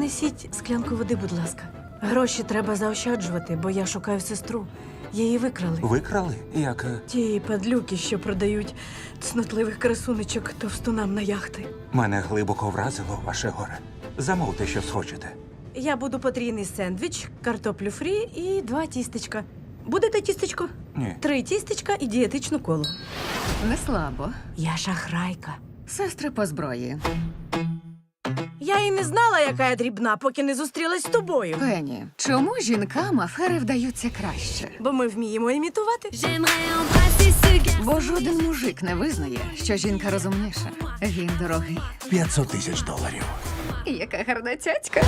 Принесіть склянку води, будь ласка. Гроші треба заощаджувати, бо я шукаю сестру. Її викрали. Викрали? Як? Ті падлюки, що продають цнотливих красунечок товстунам на яхти. Мене глибоко вразило ваше горе. Замовте, що схочете. Я буду потрійний сендвіч, картоплю фрі і 2 тістечка. Будете тістечко? Ні. 3 тістечка і дієтичну колу. Не слабо. Я шахрайка. Сестри по зброї. Я і не знала, яка я дрібна, поки не зустрілась з тобою. Пенні, чому жінкам афери вдаються краще? Бо ми вміємо імітувати. Бо жоден мужик не визнає, що жінка розумніша. Він дорогий. $500,000. Яка гарна цяцька.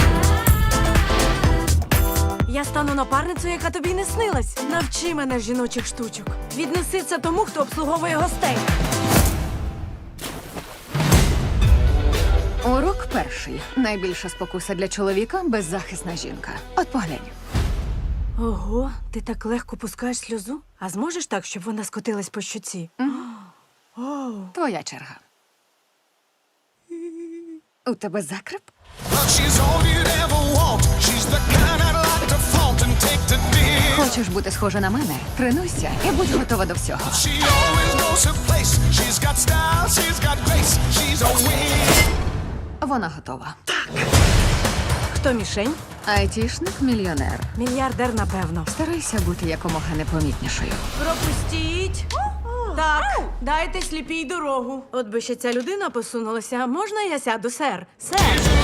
Я стану напарницею, яка тобі не снилась. Навчи мене жіночих штучок. Віднеси це тому, хто обслуговує гостей. Урок перший. Найбільша спокуса для чоловіка – беззахисна жінка. От поглянь. Ого, ти так легко пускаєш сльозу? А зможеш так, щоб вона скотилась по щоці? Твоя черга. У тебе закреп? She's all you'd ever want. She's the kind I'd like to flaunt and take to dinner. Хочеш бути схожа на мене? Тренуйся і будь готова до всього. She always knows her place. She's got style, she's got grace. She's a win. Вона готова. Хто мішень? Айтішник-мільйонер. Мільярдер, напевно. Старайся бути якомога непомітнішою. Пропустіть. Так, дайте сліпій дорогу. От би ще ця людина посунулася. Можна я сяду, сер? Сер.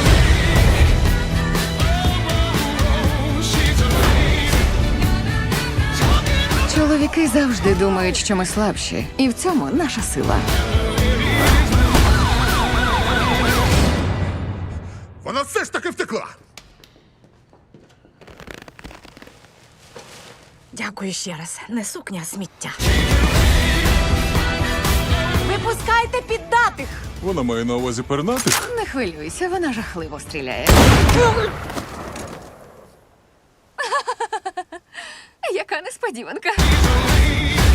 Чоловіки завжди думають, що ми слабші. І в цьому наша сила. Вона все ж таки втекла. Дякую ще раз. Не сукня, а сміття. Випускайте піддатих! Вона має на увазі пернатих. Не хвилюйся, вона жахливо стріляє. Яка несподіванка.